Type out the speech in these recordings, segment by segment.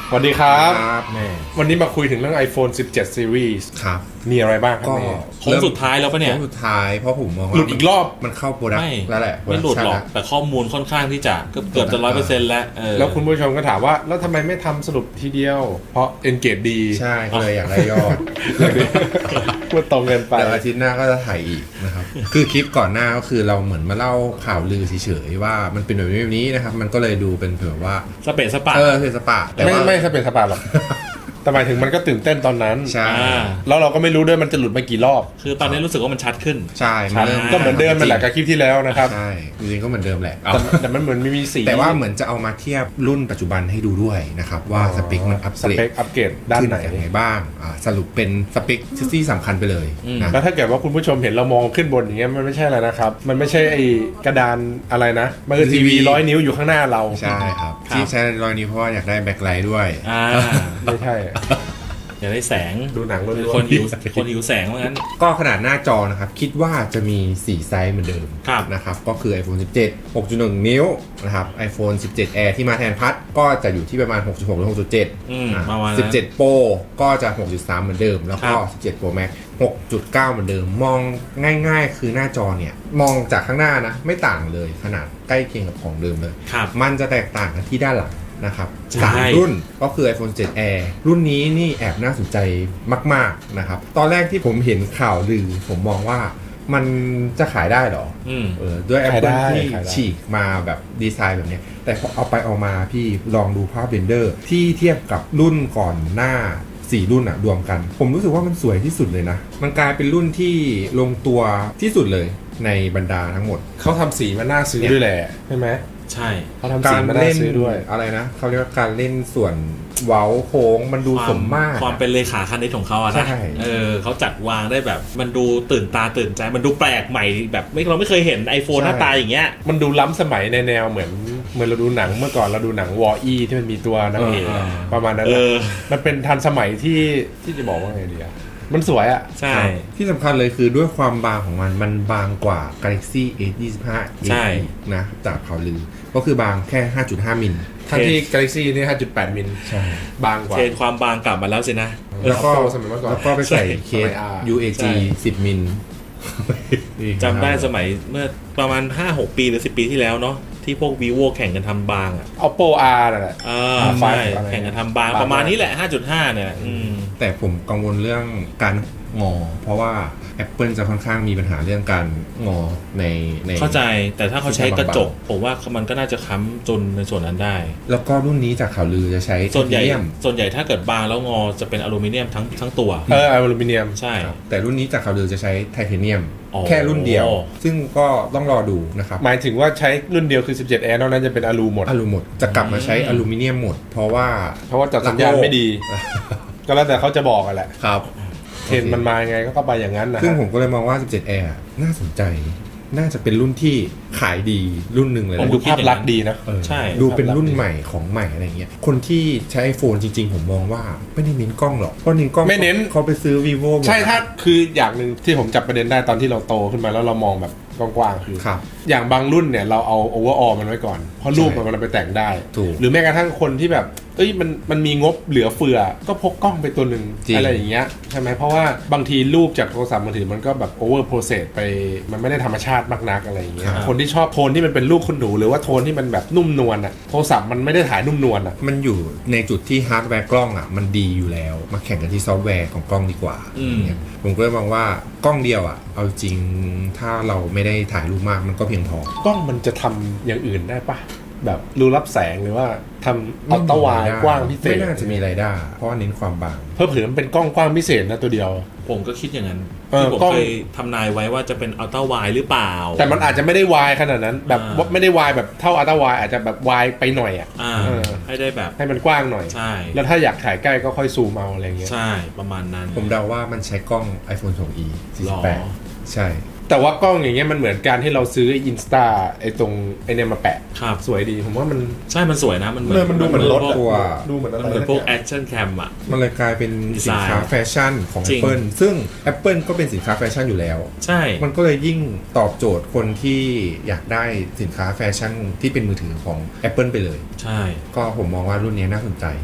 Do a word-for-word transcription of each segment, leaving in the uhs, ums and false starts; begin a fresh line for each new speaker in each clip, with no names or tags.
สวัสดีครับ
แม่
วันนี้มาคุยถึงเรื่อง iPhone สิบเจ็ด Series
ครับ
มีอะไรบ้างครับ
ก็
เมย์
โค้งสุดท้ายแล้วปะเนี่ย
โค้งสุดท้ายเพราะผมมองว่า
หลุดอีกรอบ
มันเข้าโปรดัก
ไม่
ต์แล้วแหละ
ไม่หลุดหรอก
โปดัต์
แต่ข้อมูลค่อนข้างที่จะเกือบเกือบจะร้อยเปอร์เซ็นต์แล้วเออ
แล้วคุณผู้ชมก็ถามว่า แล้วทำไมไม่ทำสรุปทีเดียว เพราะ engage ดี
ใช่ก็เลยอยากได้ยอด
พูดตรงเกินไป
แต่อาทิตย์หน้าก็จะถ่ายอีกนะครับ คือคลิปก่อนหน้าก็คือเราเหมือนมาเล่าข่าวลือเฉยๆว่ามันเป็นแบบนี้แบบนี้นะครับ มันก็เลยดูเป็นแบบว่า
สเปซสปะ
เออเป็นสปะแต่
ไม่
ว่า
ไม่สเปนสปาหรอก แต่หมายถึงมันก็ตื่นเต้นตอนนั้น
ใช่
อ่า
แล้วเราก็ไม่รู้ด้วยมันจะหลุดมากี่รอบ
คือตอนนี้รู้สึกว่ามันชัดขึ้น
ใช่มันเริ่ม
ก็เหมือนเดิมนั่นแหละกับคลิปที่แล้วนะครับ
ใช่จริงๆก็เหมือนเดิมแหละ
แต่แต่มันเหมือนไม่มีสี
แต่ว่าเหมือนจะเอามาเทียบรุ่นปัจจุบันให้ดูด้วยนะครับว่าสเปคมันอัป
ส
เกร
เป
ด
คอัปเกรดด้านไหน
ขึ้ยังไงบ้างอ่าสรุปเป็นสเปคที่สำคัญไปเลย
อืม
นะ
แล้วถ้าเกิดว่าคุณผู้ชมเห็นเรามองขึ้นบนอย่างเงี้ยมันไม่ใช่อะไรนะครับ มันไม่ใช่ไอ้กระดานอะไรนะ มันคือทีวีร้อยนิ้วอยู่ข้างหน้าเรา
ใช่ครับ
ครับ
ที่ใช้รอยนี้เพราะว่าอยากได้แบ็คไลท์ด้วย
อ่า
ไม่ใช่
อยากได้แสง
ดูหนังล้วนๆ
คนหิวคนหิวแสงว่างั้น
ก็ขนาดหน้าจอนะครับ คิดว่าจะมีสี่ไซส์เหมือนเดิม
ครับ
นะครับ ก็คือ iPhone สิบเจ็ด หกจุดหนึ่ง นิ้วนะครับ iPhone สิบเจ็ด Air ที่มาแทนพัดก็จะอยู่ที่ประมาณ หกจุดหก หรือ หกจุดเจ็ด
อืม
อ่ะ
ประมาณนั้น
สิบเจ็ด Pro ก็จะ หกจุดสาม เหมือนเดิม แล้วก็
ครับ
สิบเจ็ด Pro Max หกจุดเก้า เหมือนเดิม มองง่ายๆ คือหน้าจอเนี่ย มองจากข้างหน้านะ ไม่ต่างเลยขนาดใกล้เคียงกับของเดิมเลย
ครับ
มันจะแตกต่างกันที่ด้านหลังนะครับ
ใช่
สามรุ่นก็คือ iPhone สิบเจ็ด Air รุ่นนี้นี่แอบน่าสนใจมากๆนะครับ ตอนแรกที่ผมเห็นข่าวลือ ผมมองว่ามันจะขายได้เหรอ
อืม
เออด้วย
ขาย
Apple
ได้
ที่
ขายได้
ฉีกมาแบบดีไซน์แบบเนี้ยแต่พอเอาไปเอามาพี่ลองดูภาพเรนเดอร์ที่เทียบกับรุ่นก่อนหน้าสี่รุ่นอะรวมกัน ผมรู้สึกว่ามันสวยที่สุดเลยนะ มันกลายเป็นรุ่นที่ลงตัวที่สุดเลยในบรรดาทั้งหมด
เขาทำสีมันน่าซื้อด้วยแหละใช่ไหม
ใช่
เขาทำสี
การ
มันน่า
เล่น
ซื้อด้วย
อะไรนะเขาเรียกว่าการเล่นส่วนเว้าโค้งมันดูสมมาตร
ความเป็นเลขาคณิตของเขาอะนะ
ใช่
เออเขาจัดวางได้แบบมันดูตื่นตาตื่นใจมันดูแปลกใหม่แบบไม่เราไม่เคยเห็น iPhone หน้าตาอย่างเงี้ย
มันดูล้ำสมัยในแนวเหมือนเหมือนเราดูหนังเมื่อก่อนเราดูหนังวออีที่มันมีตัวนางเอก
เออ
ประมาณนั้น
เอ
นะ
อ
มันเป็นทันสมัยที่ที่จะบอกว่าไงดีอะมันสวยอะ
ใช่
ที่สำคัญเลยคือด้วยความบางของมันมันบางกว่า Galaxy เอ ยี่สิบห้า
ใช่
นะจากข่าวลือ ก็คือบางแค่ ห้าจุดห้า มิล
ทั้งที่ Galaxy นี่ ห้าจุดแปด มิล
ใช่
บางกว่า
เทรนความบางกลับมาแล้วสินะ
แล้วก็
Oppo สมัยเมื่อก่อน
แล้วก็ไปใส่เคส
สมัย R
ยู เอ จี
ใช่
สิบ มิล
จำได้สมัยเมื่อประมาณ ห้าหก ปีหรือ สิบ ปีที่แล้วเนาะที่พวก vivo แข่งกันทำบางอ่ะ
Oppo R นั่นแหละ
อ่า
อ่า
ใช่
อะไร
แข่งกันทำบาง
บาง
ประมาณนี้แหละ ห้าจุดห้า เนี่ยอืม
แต่ผมกังวลเรื่องการงอ เพราะว่า Apple จะค่อนข้างมีปัญหาเรื่องการงอในใน
เข้าใจแต่ถ้าเขาใช้กระจก
บาง
ผมว่ามันก็น่าจะค้ำจนในส่วนนั้นได้
แล้วก็รุ่นนี้จากข่าวลือจะใช้
ส่วนใหญ่
ไทเทเนียม
ส่วนใหญ่ถ้าเกิดบางแล้วงอจะเป็นอลูมิเนียมทั้งทั้งตัว
เอออลูมิเนียม
ใช่
ครับแต่รุ่นนี้จากข่าวลือจะใช้ไทเทเนียม
อ๋อ
แค่รุ่นเดียว ซึ่งก็ต้องรอดูนะครับ
หมายถึงว่าใช้รุ่นเดียวคือ สิบเจ็ด Air นอกนั้นจะเป็นอลูหมด
อลูหมดจะกลับมาใช้อลูมิเนียมหมด เพราะว่า
เพราะว่าจัดสัญญาณไม่ดี ก็แล้วแต่เขาจะบอกกันแหละ
ครับ
เทรนด์มันมายังไงก็ไปอย่างนั้นนะ
ซึ่ง
ฮะ
ผมก็เลยมองว่า สิบเจ็ด Air น่าสนใจ น่าจะเป็นรุ่นที่ขายดีรุ่นหนึ่งเลย
มัน
นะ
ดูภาพลักษณ์ดีนะ
เออ
ใช่
ดูเป็นรุ่นใหม่ของใหม่อะไรเงี้ย คนที่ใช้ iPhone จริงๆ ผมมองว่าไม่ได้เน้นกล้องหรอก เพราะเน้นกล้อง
ไม่เน้น
เขาไปซื้อ vivo หมด
ใช่ถ้าคืออย่างหนึ่งที่ผมจับประเด็นได้ตอนที่เราโตขึ้นมาแล้วเรามองแบบกว้างๆคือ
ครับ
อย่างบางรุ่นเนี่ยเราเอาโอเวอร์ออลมันไว้ก่อน เพราะรูปมันมันไปแต่งได้
ถูก
หรือแม้กระทั่งคนที่แบบเอ้ยมันมันมีงบเหลือเฟือ ก็พกกล้องไปตัวหนึ่ง
จริง
อะไรอย่างเงี้ยใช่ไหมเพราะว่าบางทีรูปจากโทรศัพท์มือถือมันก็แบบโอเวอร์โปรเซสไปมันไม่ได้ธรรมชาติมากนักอะไรอย่างเงี้ย
ครับ
คนที่ชอบโทนที่มันเป็นรูปคุณหนูหรือว่าโทนที่มันแบบนุ่มนวลอะโทรศัพท์มันไม่ได้ถ่ายนุ่มนวลอะ
มันอยู่ในจุดที่ฮาร์ดแวร์กล้องอ่ะมันดีอยู่แล้ว มาแข่งกันที่ซอฟต์แวร์ของกล้องดีกว่า
อืม
เนี่ยผมก็เลยมองว่ากล้องเดียวอ่ะ เอาจริงถ้าเราไม่ได้ถ่ายรูปมากมันก็เพียงพอก
ล้องมันจะทำอย่างอื่นได้ปะแบบรูรับแสงหรือว่าทำอัลตร้าไวด์กว้างพิเศษ
ไม่น่าจะมีไรายได้ เพราะว่าเน้นความบาง
เพิ่มเผื่อมันเป็นกล้องกว้างพิเศษนะตัวเดียว
ผมก็คิดอย่างนั้น
เออ
ที่ผม
กล้อง
เคยทำนายไว้ว่าจะเป็นอัลตร้าไวหรือเปล่า
แต่มันอาจจะไม่ได้วายขนาดนั้น แบบ
อ่า
ว่าไม่ได้วายแบบเท่าอัลตร้าไวด์อาจจะแบบวายไปหน่อยอ่ะ
อ่า
เออ
ให้ได้แบบ
ให้มันกว้างหน่อย
ใช่
แล้วถ้าอยากถ่ายใกล้ก็ค่อยซูมเอาอะไรเงี้ย
ใช่ประมาณนั้น
ผมเดาว่ามันใช้กล้อง iPhone ทู อี สี่สิบแปด
หรอ
ใช่
แต่ว่ากล้องอย่างเงี้ยมันเหมือนการที่เราซื้ออินสตาไอ้ตรงไอ้เนี่ยมาแปะ
ครับ
สวยดีผมว่ามัน
ใช่มันสวยนะ มันเหมื
เออมันดูเหมือนรถ
พวก
ตัว
ดูเหมือนอะไร
มันเหมือนพวก
สั
แอ
อย่าง
คชั่นแคมอ่ะ
มันเลยกลายเป็นสินค้า
ดีไซน์
แฟชั่นของ
จริง
Apple ซึ่ง Apple ก็เป็นสินค้าแฟชั่นอยู่แล้ว
ใช่
มันก็เลยยิ่งตอบโจทย์คนที่อยากได้สินค้าแฟชั่นที่เป็นมือถือของ Apple ไปเลย
ใช่
ก็ผมมองว่ารุ่นนี้น่าสนใจ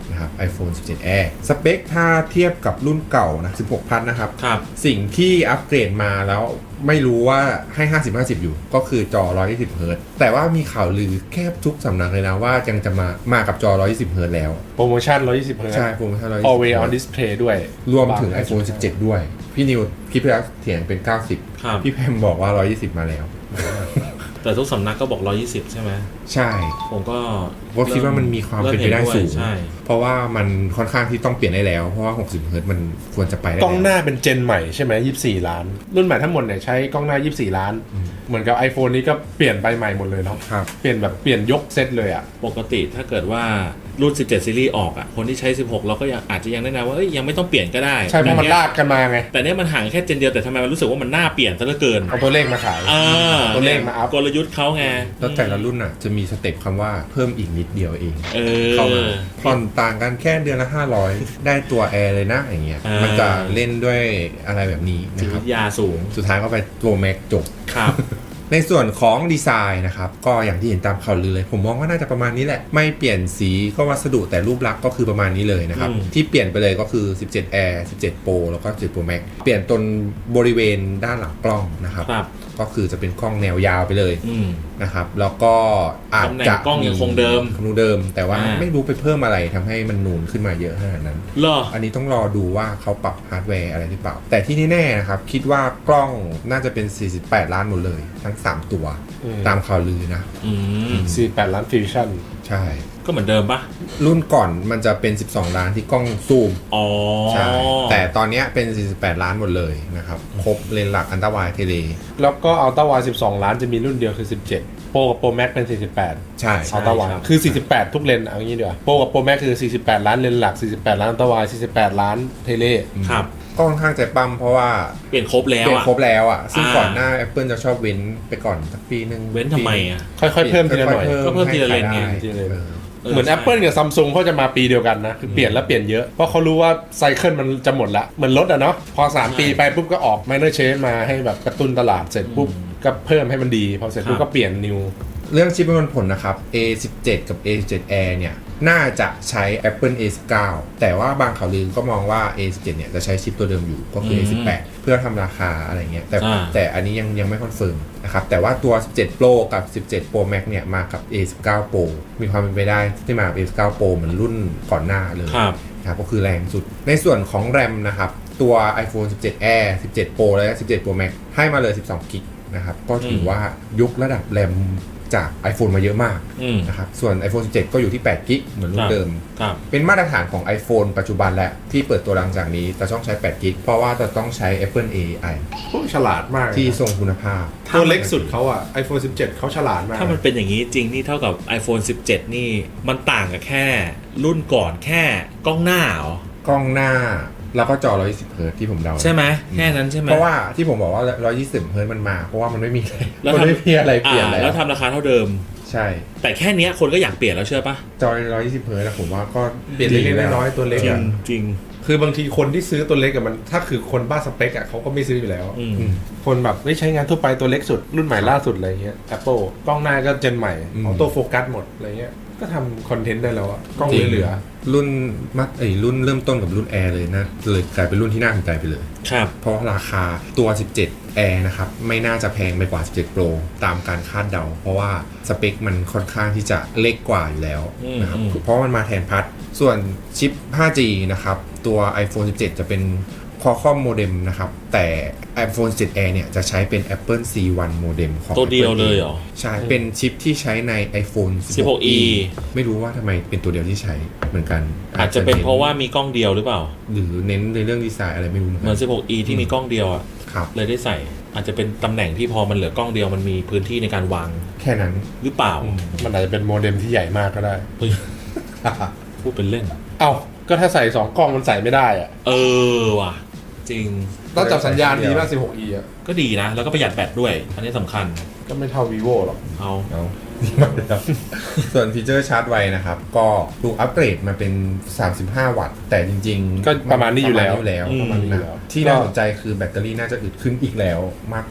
นะครับ iPhone สิบเจ็ด Air สเปคถ้าเทียบกับรุ่นเก่านะสิบหกพันนะครับ
ครับ
สิ่งที่อัปเกรดมาแล้วไม่รู้ว่าให้ ห้าสิบ ห้าสิบ อยู่ก็คือจอ หนึ่งร้อยยี่สิบ เฮิร์ตซ์แต่ว่ามีข่าวลือแค่ทุกสำนักเลยนะว่ายังจะมามากับจอ หนึ่งร้อยยี่สิบ เฮิร์ตซ์แล้ว
โปรโมชั่นหนึ่งร้อยยี่สิบเฮิร์ตซ์
ใช่โปรโมชั่นหนึ่งร้อยยี่สิบ
always on display ด้วย
รวมถึง iPhone สิบเจ็ด ด้วย พี่นิวคลิปแล้วเถียงเป็น เก้าสิบ
ครับ
พี่แพมบอกว่า หนึ่งร้อยยี่สิบ มาแล้ว
แต่ทุกสำนักก็บอกหนึ่งร้อยยี่สิบใช่ไหม
ใช่
ผมก็
ผมคิดว่ามันมีความเป็นไปได้สูง
ใช่
เพราะว่ามันค่อนข้างที่ต้องเปลี่ยนได้แล้ว เพราะว่า หกสิบ เฮิร์ตซ์มันควรจะไปได้
กล้องห
แล้ว
น้าเป็นเจนใหม่ใช่ไหมยี่สิบสี่ล้าน รุ่นใหม่ทั้งหมดเนี่ยใช้กล้องหน้ายี่สิบสี่ล้าน เหมือนกับ iPhone นี้ก็เปลี่ยนไปใหม่หมดเลยเนาะ
ครับ
เปลี่ยนแบบเปลี่ยนยกเซตเลยอ่ะ
ปกติถ้าเกิดว่ารุ่นสิบเจ็ดซีรีส์ออกอ่ะคนที่ใช้สิบหกเราก็ยังอาจจะยังแนะนำว่าเอ้ยยังไม่ต้องเปลี่ยนก็ได้
ใช่เพราะมันลากกันมาไง
แต่เนี้ยมันห่างแค่เจนเดียวแต่ทำไมมันรู้สึกว่ามันน่าเปลี่ยนซะเหลือเกิน
เอาตัวเลขมาขาย
อ่า
ตัวเลขมาอัพ
กลยุทธ์เขาไง
แล้วแต่ละรุ่นอ่ะจะมีสเต็ปคำว่าเพิ่มอีกนิดเดียวเอง
เออ
เข้ามาผ่อนต่างกันแค่เดือนละห้าร้อยได้ตัวแอร์เลยนะอย่างเงี้ย
อ่ามั
มันจะเล่นด้วยอะไรแบบนี้
จิ
นะ
ต
ครั
วิ
บ
ทยาสูง
สุดท้ายก็ไปตัวแม็กจบ
ครับ
ในส่วนของดีไซน์นะครับ ก็อย่างที่เห็นตามข่าวลือเลย ผมมองว่าน่าจะประมาณนี้แหละ ไม่เปลี่ยนสีก็วัสดุแต่รูปลักษณ์ก็คือประมาณนี้เลยนะครับ
อืม
ที่เปลี่ยนไปเลยก็คือ สิบเจ็ด Air สิบเจ็ด Pro แล้วก็สิบเจ็ด Pro Max เปลี่ยนตรงบริเวณด้านหลังกล้องนะครับ
ครับ
ก็คือจะเป็นกล้องแนวยาวไปเลย
อืม
นะครับแล้วก็อาจจะ
ตำแหน่งกล้องยังคงเดิม
คงเดิม แต่ว่า
อ่า
ไม่รู้ไปเพิ่มอะไรทำให้มันนูนขึ้นมาเยอะขนาดนั้น
เหรอ
อันนี้ต้องรอดูว่าเขาปรับฮาร์ดแวร์อะไรหรือเปล่า แต่ที่แน่ๆนะครับ คิดว่ากล้องน่าจะเป็น สี่สิบแปด ล้านหมดเลย ทั้ง สาม ตัว
อืม
ตามข่าวลือนะ
อืม
สี่สิบแปดล้านฟิวชั่น
ใช่
ก็เหมือนเดิมปะ
รุ่นก่อนมันจะเป็น สิบสอง ล้านที่กล้องซูม
อ๋อ
ใช่แต่ตอนเนี้ยเป็น สี่สิบแปด ล้านหมดเลยนะครับครบเลนส์หลักอันตราไวด์เทเล
แล้วก็อัลต้าวายสิบสองล้านจะมีรุ่นเดียวคือสิบเจ็ดโปรกับโปรแม็กเป็นสี่สิบแปด
ใช่
อัลต้าวายคือสี่สิบแปดทุกเลนเอางี้ดีกว่าโปรกับโปรแม็กคือสี่สิบแปดล้านเลนหลักสี่สิบแปดล้านอัลต้าวายสี่สิบแปดล้านเทเล
ครับ
ก็ค่อนข้างใจปั้มเพราะว่า
เปลี่ยนครบแล้ว
เป็น
อ่ะ
ครบแล้วอ่ะ ซึ่ง
อ่า
ก่อนหน้า Apple จะชอบเว้นไปก่อนสักปีหนึ่ง
เว้นทำไมอ่ะ
ค่อยๆเพิ่มทีละหน่อย
ก็เพิ่มทีละเลนไง
ให้
ทีละเลน
เออ
เหมือน Apple กับ Samsung เขาจะมาปีเดียวกันนะ คือเปลี่ยนแล้วเปลี่ยนเยอะ เพราะเขารู้ว่าไซเคิลมันจะหมดละเหมือนรถอะเนาะพอ สาม ปีไปปุ๊บก็ออก minor change มาให้แบบกระตุ้นตลาดเสร็จปุ๊บ ก็เพิ่มให้มันดี พอเสร็จปุ๊บก็เปลี่ยน new
เรื่องชิปประมวลผลนะครับ เอ สิบเจ็ด กับ เอ สิบเจ็ด Air เนี่ย น่าจะใช้ Apple เอ สิบเก้า แต่ว่าบางข่าวลือก็มองว่า เอ สิบเจ็ด เนี่ยจะใช้ชิปตัวเดิมอยู่ก็คือ เอ สิบแปด เพื่อทำราคาอะไรเงี้ย แต่
อ่า
แต่อันนี้ยังยังไม่คอนเฟิร์มนะครับ แต่ว่าตัว สิบเจ็ด Pro กับ สิบเจ็ด Pro Max เนี่ยมากับ เอ สิบเก้า Pro มีความเป็นไปได้ที่มากับ เอ สิบเก้า Pro เหมือนรุ่นก่อนหน้าเลย
ครับ
นะครับก็คือแรงสุดในส่วนของ RAM นะครับตัว iPhone สิบเจ็ด Air สิบเจ็ด Pro และ สิบเจ็ด Pro Max ให้มาเลย สิบสอง กิกนะครับก็ถือว่ายกระดับแรมจาก iPhone มาเยอะมาก
อืม
นะครับส่วน iPhone สิบเจ็ด ก็อยู่ที่ แปด กิกเหมือนรุ่
ครั
น
บ
เดิม
ครับ
เป็นมาตรฐานของ iPhone ปัจจุบันและที่เปิดตัวหลังจากนี้จะต้องใช้ แปด กิกเพราะว่าจะต้องใช้ Apple เอ ไอ
โอ้ฉลาดมากเลยนะ
ที่ทรงคุณภาพ
ตัวเล็กสุดเขาอะ iPhone สิบเจ็ดเขาฉลาดมาก
ถ้ามันเป็นอย่างนี้จริงนี่เท่ากับ iPhone สิบเจ็ด นี่มันต่างกับแค่ รุ่นก่อนแค่กล้องหน้าเหรอ
กล้องหน้าแล้วก็จอ หนึ่งร้อยยี่สิบ เฮิร์ตซ์ที่ผมเดา
ใช่ไหมแค่นั้นใช่ไหม
เพราะว่าที่ผมบอกว่า หนึ่งร้อยยี่สิบ เฮิร์ตซ์มันมา เพราะว่ามันไม่มีอะไร
แล้ว
มัน
ทำ
ไม่มีอะไรเปลี่ยน
อ่า
แล้ว
แล้วทำราคาเท่าเดิม
ใช่
แต่แค่เนี้ยคนก็อยากเปลี่ยนแล้วเชื่อปะ
จอ หนึ่งร้อยยี่สิบ เฮิร์ตซ์นะผมว่าก็
เปลี่ยนเล็กๆน้อยๆตัวเล็ก
จริ
อะ
งจริง
คือบางทีคนที่ซื้อตัวเล็กกับมัน ถ้าคือคนบ้าสเปคอะเขาก็ไม่ซื้ออยู่แล้ว
อืม
อืม
คนแบบไม่ใช้งานทั่วไปตัวเล็กสุด รุ่นใหม่ล่าสุดอะไรเงี้ย Apple กล้องหน้าก็เจนใหม่
อืม
ออโต้โฟกัสหมดอะไรเงี้ยก็ทำคอนเทนต์ได้แล้วอะกล้อง
จริง
เหลือ
รุ่นมัดไอ้ยรุ่นเริ่มต้นกับรุ่น Air เลยนะเลยกลายเป็นรุ่นที่น่าสนใจไปเลย
ครับ
เพราะว่าราคาตัว สิบเจ็ด Air นะครับไม่น่าจะแพงไปกว่า สิบเจ็ด Pro ตามการคาดเดา เพราะว่าสเปคมันค่อนข้างที่จะเล็กกว่าอยู่แล้วนะครับ
อืมอืม
เพราะมันมาแทนพัดส่วนชิป ห้าจี นะครับตัว iPhone สิบเจ็ด จะเป็น Qualcomm modem นะครับแต่ iPhone สิบเจ็ด Air เนี่ยจะใช้เป็น Apple ซี วัน modem ของ
ตัวเดียว
Apple
เลยเหรอ
ใช่ เป็นชิปที่ใช้ใน iPhone
สิบหก อี
ไม่รู้ว่าทำไมเป็นตัวเดียวที่ใช้เหมือนกัน
อาจจะเป็นเพราะว่ามีกล้องเดียวหรือเปล่า
หรือเน้นในเรื่องดีไซน์อะไรไม่รู้เหมือน
เหมื
กั
อน น สิบหก อี ที่มีกล้องเดียวอะ
ครับ
เลยได้ใส่ อาจจะเป็นตำแหน่งที่พอมันเหลือกล้องเดียวมันมีพื้นที่ในการวาง
แค่นั้น
หรือเปล่า
ๆมันอาจจะเป็นโมเด็มที่ใหญ่มากก็ได้
เฮ้ยพูดเป็นเล่น
เอ้าก็ถ้าใส่สองกล้องมันใส่ไม่ได้อะ
เออว่ะ จริง
ต้องจับสัญญาณดีมาก สิบหก อี อะ
ก็ดีนะ แล้วก็ประหยัดแบตด้วย อันนี้สำคัญ
ก็ไม่เท่า vivo หรอก
เอา
เอาส่วนฟีเจอร์ชาร์จไวนะครับ ก็ถูกอัปเกรดมาเป็น สามสิบห้า วัตต์ แต่จริงๆ
ก็ประมาณนี้อยู่แล้ว
ประมาณนี้อยู่แล้ว
ประมาณนี้อยู่แล้ว
ที่น่าสนใจคือแบตเตอรี่น่าจะอึดขึ้นอีกแล้วมากกว่า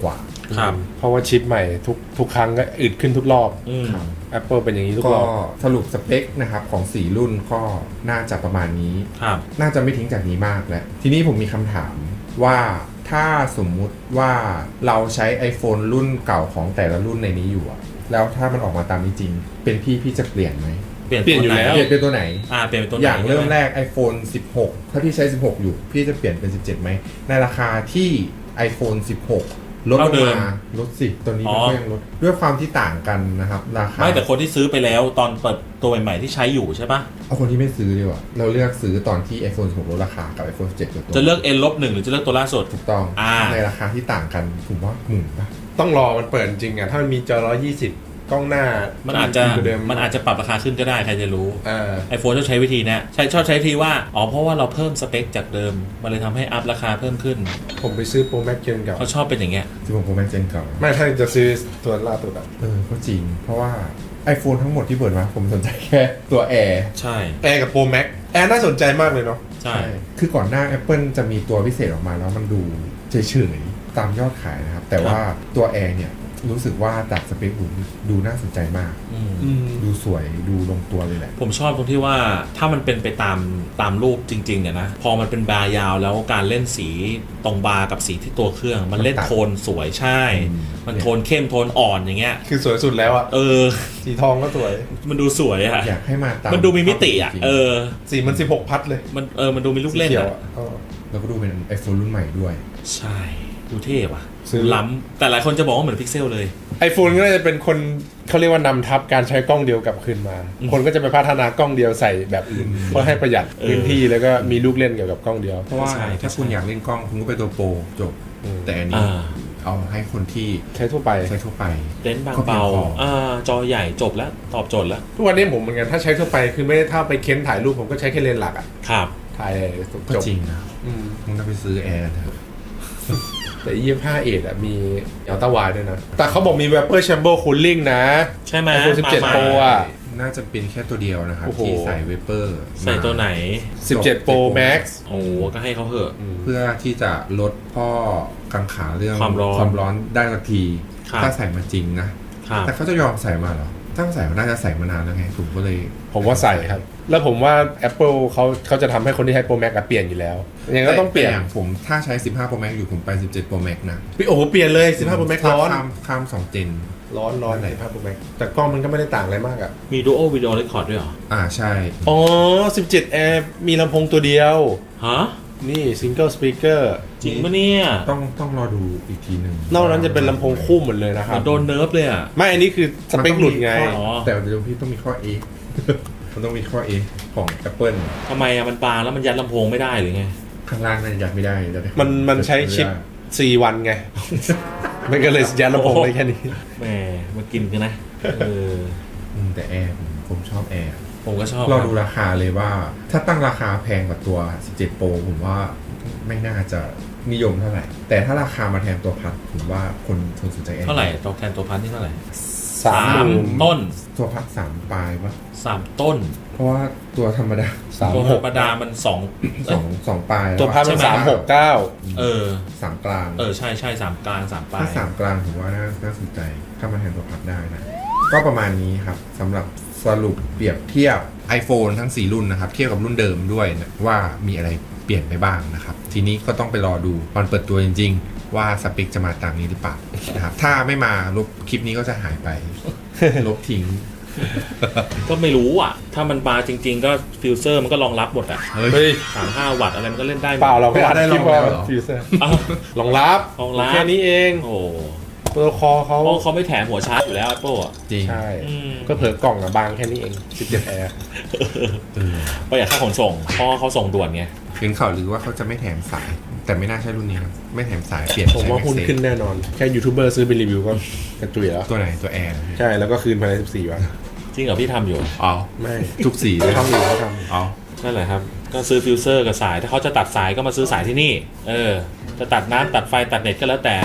ครับ
เพราะว่าชิปใหม่ทุกทุกครั้งก็อึดขึ้นทุกรอบ
อืม
Apple เป็นอย่างนี้ทุก
ก็
รอบ
สรุปสเปคนะครับของสี่รุ่นก็น่าจะประมาณนี้
ครับ
น่าจะไม่ทิ้งจากนี้มากแล้ว ทีนี้ผมมีคำถามว่าถ้าสมมุติว่าเราใช้ iPhone รุ่นเก่าของแต่ละรุ่นในนี้อยู่อะแล้วถ้ามันออกมาตามนี้จริง เป็นพี่พี่จะเปลี่ยนไหม
เปลี่ยน
เปลี่ยนอยู่
ตัวไห
แล้ว
เปลี่ยนเป็นตัวไหน
อ่าเปลี่ยนเป็นตัวไหน
อย่างเริ่ม
ใช่ไห
แรก iPhone สิบหก ถ้าพี่ใช้ สิบหก อยู่ พี่จะเปลี่ยนเป็น สิบเจ็ด ไหม ในราคาที่ iPhone สิบหก ลดล
เท่าง เดิม
มาลดสิตัวนี้
อ๋
มัน
อ
ก็ยังลด ด้วยความที่ต่างกันนะครับ ราคา
ไม่แต่คนที่ซื้อไปแล้วตอนเปิดตัวใหม่ๆที่ใช้อยู่ใช่ปะ
เอาคนที่ไม่ซื้อดีกว่า เราเลือกซื้อตอนที่ iPhone สิบหก ลดราคากับ iPhone สิบเจ็ดลดตัว
จะเลือก N ลบหนึ่งหรือจะเลือกตัวล่าสุด
ถูกต้อง
อ่า
ในราคาที่ต่างกันผมว่าหมื่นป่ะ
ต้องรอมันเปิดจริงอ่ะถ้ามันมีจอหนึ่งร้อยยี่สิบกล้องหน้า
มันอาจจะ
เดิม
มันอาจจะปรับราคาขึ้นก็ได้ใครจะรู้
เออ
ไอโฟนชอบใช้วิธีเนะใช้ชอบใช้วิธีว่าอ๋อเพราะว่าเราเพิ่มสเปคจากเดิมมันเลยทำให้อัพราคาเพิ่มขึ้น
ผมไปซื้อ Pro Max เกมเก่า
เขาชอบเป็นอย่างเงี้ย
สิบหก Pro Max Gen เก่า
ไม่ถ้าจะซื้อตัวล่าสุดอ่ะ
เออ ก็จริง เพราะว่า iPhone ทั้งหมดที่เปิดมาผมสนใจแค่ตัว Air
ใช่
แอร์กับ Pro Max แอร์น่าสนใจมากเลยเนาะ
ใช่
คือก่อนหน้า Apple จะมีตัวพิเศษออกมาแล้วมันดูเฉยๆตามยอดขายนะครับ แต่ว่าตัว Air เนี่ยรู้สึกว่าจากสเปคดูดูน่าสนใจมาก
อืม
อืม
ดูสวยดูลงตัวเลยแหละ
ผมชอบตรงที่ว่าถ้ามันเป็นไปตามตามรูปจริงๆเนี่ยนะพอมันเป็นบาร์ยาวแล้วการเล่นสีตรงบาร์กับสีที่ตัวเครื่อง มันเล่น
มันตัด
โทนสวยใช่
อืม
มันโทนเข้มโทนอ่อนอย่างเงี้ย
คือสวยสุดแล้วอ่ะ
เออ
สีทองก็สวย
มันดูสวยอะ
อยากให้มาตาม
มันดูมีมิติอะ
จริงๆ
เออ
สีมันสิบหกพัดเลย
มันเออมันดูมีลูกเล่น
สีขียว
อะ
เออ
แล้วก็ดูเป็น iPhone รุ่นใหม่ด้วย
ใช่ดูเท่ว่ะ
ซื้อ
ล้ำแต่หลายคนจะบอกว่าเหมือนพิกเซลเลย
ไอโฟนก็น่าจะเป็นคนเขาเรียกว่านำทับการใช้กล้องเดียวกลับคืนมา
อืม
คนก็จะไปพัฒนากล้องเดียวใส่แบบอื่น เพื่อให้ประหยัด
เออ
พื้นที่แล้วก็มีลูกเล่นเกี่ยวกับกล้องเดียว
เพราะว่า
ใช่
ถ้าคุณอยากเล่นกล้องคุณก็ไปตัวโปรจบ
อืม
แต่อันนี้
อ่า
เอาให้คนที่
ใช้ทั่วไป
ใช้ทั่วไป
เลนส์บาง
ก็เพียง
เบา
พออ่
อ่าจอใหญ่จบแล้วตอบโจทย์แล้ว
ทุกวันนี้ผมเหมือนกันถ้าใช้ทั่วไปคือไม่ได้ถ้าไปเค้นถ่ายรูปผมก็ใช้แค่เลนส์หลักอะ
ครับ
ถ่าย
ก็
จบ
จริงนะ
อืม
มึงต้องไปซื้อแอร์เถอะ
แต่ยี่สิบห้าเอทอะมีอัลต้าวายด้วยนะ แต่เขาบอกมี Vapor Chamber Cooling นะ
ใช่ไหม
iPhone สิบเจ็ด
มา
Pro
ใหม่
อะ
น่าจะเป็นแค่ตัวเดียวนะครับ
โอ้โห
ที่ใส่เวเปอร์
ใส่ตัวไหน
สิบเจ็ด Pro Max
โอ้ก็ให้เขาเหอะ
เพื่อที่จะลดข้อกังขาเรื่อง
ความร้อน
ความร้อนได้สักที
ครับ
ถ้าใส่มาจริงนะ
ครับ
แต่เขาจะยอมใส่มาเหรอ ถ้าใส่มาน่าจะใส่มานานแล้วไงผมก็เลย
ผมว่าใส่ครับ แล้วผมว่า Apple เขาเขาจะทำให้คนที่ใช้ Pro Max อะเปลี่ยนอยู่แล้วยังไงก็ต้องเปลี่ยน
แต่างผมถ้าใช้ สิบห้า Pro Max อยู่ผมไป สิบเจ็ด Pro Max นะ
โอ้โหเปลี่ยนเลย สิบห้า Pro Max ร้อน
ข้ามข้ามสองเจน
ร้อนร้อนไหนสิบห้า Pro Max แต่กล้องมันก็ไม่ได้ต่างอะไรมากอะ
มี Dual Video Record ด้วยเหรอ
อ่าใช่
อ๋อ สิบเจ็ด Air มีลำโพงตัวเดียว
ฮะ
นี่ Single Speaker
จริงปะเนี่ย
ต้องต้องรอดูอีกทีหนึ่ง
นอกนั้นจะเป็นลำโพงคู่หมดเลยนะค
มั
รับ
นโดนเนิร์ฟเลยอ่ะ
ไม่ อันนี้คือสเปคหลุดไง
มันต้องมีข้
อ๋อ
แต่เดี๋ยวพี่ต้องมีข้อ A มันต้องมีข้อ A ของ Apple
ทำไมอ่ะมันบางแล้วมันยัดลำโพงไม่ได้หรือไง
ข้างล่างนั่นยัดไม่ได้ยัดได้
มันมันใช้ชิป สี่ วันไง มันก็เลยยัดลำโพงได้แค่นี้
แหมมากินกันนะ เออ
อืมแต่แอร์ผมผมชอบแอร์
ผมก็ชอบ
เราดูราคาเลยว่า ถ้าตั้งราคาแพงกว่าตัว สิบเจ็ด Pro ผมว่าไม่น่าจะนิยมเท่าไหร่ แต่ถ้าราคามาแทนตัวพัดผมว่าคนคนสนใจแอร์
เท่าไหร่ตัวแทนตัวพันที่เท่าไหร่
สามหมื่น
ต้น
ตัวพัดสามปลายปะ
สามต้น
เพราะว่าตัวธรรมดา
สาม
ตัว
ห
ธร
ก
รมดามันสอง
สองสองปลาย
ตัวพัดมัน
ใช่ไหม
สามหกเก้า
เออ
สามกลาง
เออ ใช่ใช่สามกลางสามปลา
ถ้าย สามกลางผมว่าน่าน่าสนใจถ้ามาแทนตัวพัดได้นะ ก็ประมาณนี้ครับสำหรับสรุปเปรียบเทียบ iPhone ทั้งสี่รุ่นนะครับ เทียบกับรุ่นเดิมด้วยนะว่ามีอะไรเปลี่ยนไปบ้างนะครับ ทีนี้ก็ต้องไปรอดูตอนเปิดตัวจริงๆ ว่าสเปคจะมาตามนี้หรือเปล่านะครับถ้าไม่มาลบคลิปนี้ก็จะหายไป ลบทิ้ง
ก็ไม่รู้อ่ะ ถ้ามันบางจริง ๆ ก็ฟิวเซอร์มันก็รองรับหมดอ่ะ
เฮ้ย
เฮ้ย
สามห้าวัตต์อะไรมันก็เล่นได้หมด
เปล่าเราไม่อัด
ได้
คลิป
ลอง
ว่า
แล้วเหรอ
ฟิวเซอร์
อ้าว
รองรับ
รองรับ
แค่นี้เอง
โอ้
ตัวคอเขา
เพราะเขาไม่แถมหัวชาร์จอยู่แล้ว Apple อ่ะ
จริง
ใช่
อืม
ก็เผลอกล่องอะบางแค่นี้เอง สิบเจ็ด Air
เออ
ประหยัดค่าขนส่งเพราะเขาส่งด่วนไง
เห็นข่าวหรือว่าเขาจะไม่แถมสาย แต่ไม่น่าใช่รุ่นนี้นะไม่แถมสายเปลี่ยน
ผม
ใช้
ว่าหุ้น
Maxxafe
ขึ้นแน่นอน แค่ยูทูบเบอร์ซื้อไปรีวิวก็กระจุยแล้ว
ตัวไหนตัวแอร์
ใช่ แล้วก็คืนภายในสิบสี่ วัน
จริงเหรอพี่ทำอยู่
อ๋อ
ไม่
ทุกสีเล
เขา
ย
ทำอยู่เขาท
อ๋อ
นั่นแหละครับ ก็ซื้อฟิวเซอร์กับสาย ถ้าเขาจะตัดสายก็มาซื้อสายที่นี่ เออ จะตัดน้ำตัดไฟตัดเน็ตก็แล้วแต่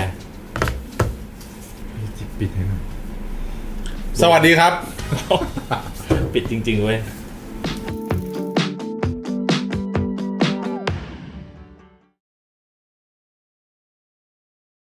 ปิดให้หน่อย
ำสวัสดีครับ
ปิดจริงๆเว้ย